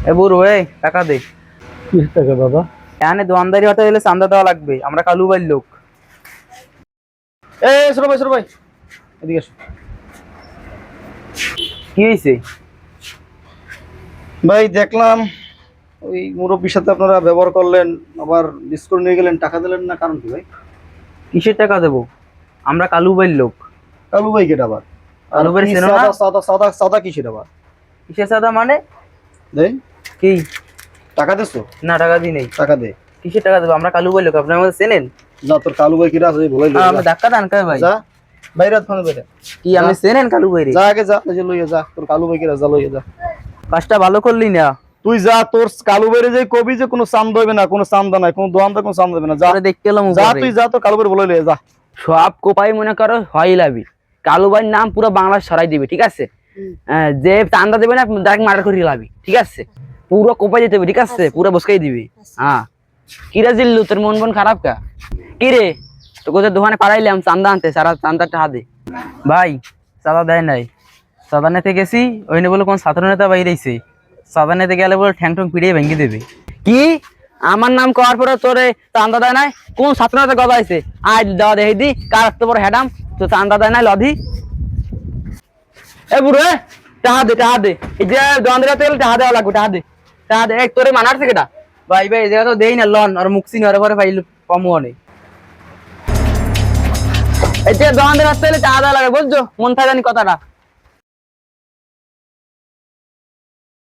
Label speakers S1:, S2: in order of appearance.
S1: এ বুড়ো টাকা দে।
S2: কি টাকা বাবা?
S1: এখানে দোয়ানদারি হতে গেলে চান্দা দেওয়া লাগবে, আমরা কালু ভাইয়ের লোক।
S2: ছোট ভাই এদিকে এসো।
S1: কি হয়েছে?
S2: ভাই দেখলাম ওই মুরব্বীর সাথে আপনারা ব্যবহার করলেন, আবার ডিসকাউন্ট নিয়ে গেলেন, টাকা দিলেন না, কারণ কি ভাই?
S1: কিসের টাকা দেবো? আমরা কালু ভাইয়ের লোক।
S2: কালু ভাই কেটা আবার? আর
S1: কালু ভাই
S2: কি
S1: চেনো না?
S2: সাদা সাদা সাদা সাদা কিসের আবার?
S1: কিসের চাঁদা মানে?
S2: দেই
S1: কি?
S2: টাকা দিছো?
S1: না, টাকা দিই নেই।
S2: টাকা দে।
S1: কিসের টাকা দেবো? আমরা কালু ভাইয়ের লোক, আপনি আমাদের চেনেন?
S2: না, তোর কালু ভাই কিরা আছে বলাই লই
S1: আমি ধাক্কা দেন কে ভাই?
S2: যা বাইরে ফোন বাইরে
S1: কি আপনি চেনেন কালু ভাইরে?
S2: যা, আগে যা, এই যে লইয়া যা, তোর কালু ভাই কিরা, যা লইয়া যা।
S1: কাজটা ভালো করলি না।
S2: তুই যা, তোর কালু ভাইরে যে কবি যে কোনো চান্দা হইবে না, কোনো চান্দা নাই, কোনো দোয়ানদার কোনো চান্দা হবে না, যা
S1: পরে দেখতে এলাম
S2: যা,
S1: উপরে।
S2: তুই যা, তোর কালু ভাইরে বলাই লইয়া যা।
S1: সব কোপাই মনে করো হয় লাভি, কালু ভাইয়ের নাম পুরো বাংলা সরাই দিবে, ঠিক আছে? যে চান্দা দেবে না ডাইরেক্ট মার্ডার করে লাভি, ঠিক আছে? পুরো কোপাই দিতে হবে, ঠিক আছে? পুরো বসকাই দিবি। হ্যাঁ, কিরে জিল্লু, তোর মন মন খারাপ কা? কিরে তোকে যে দোকানে পাঠাইলাম চান্দা আনতে, সারা চান্দাটা হাতে ভাই চাঁদা দেয় নাই। চাঁদা নিতে গেছি, ওই নিয়ে বলে কোন ছাত্র নেতা বাইরেছে, চাঁদা নিতে গেলে বলে ঠ্যাং ঠ্যাং পিড়িয়ে ভেঙে দেবে। কি আমার নাম করার পরে তোরে চান্দা দেয় নাই? কোন ছাত্র নেতা গজাইছে? আজ দেওয়া দেখি দি কার এত বড় হ্যাডাম, তো চান্দা দেয় নাই লধি। এ বুড়ো টাহা দে, টাহা দে। এই যে দোকানদার তেল টাহা দেওয়া লাগবে, টাহা দে, টাহা দে। এক তোরে মানার থেকে ভাই ভাই এই জায়গা তো দেই না লন, আর মুক্সি নরে পরে পাইল কমও নেই। এই যে দোকানদার তেল টাহা দেওয়া লাগে, বুঝছো? মন থাকে জানি কথাটা।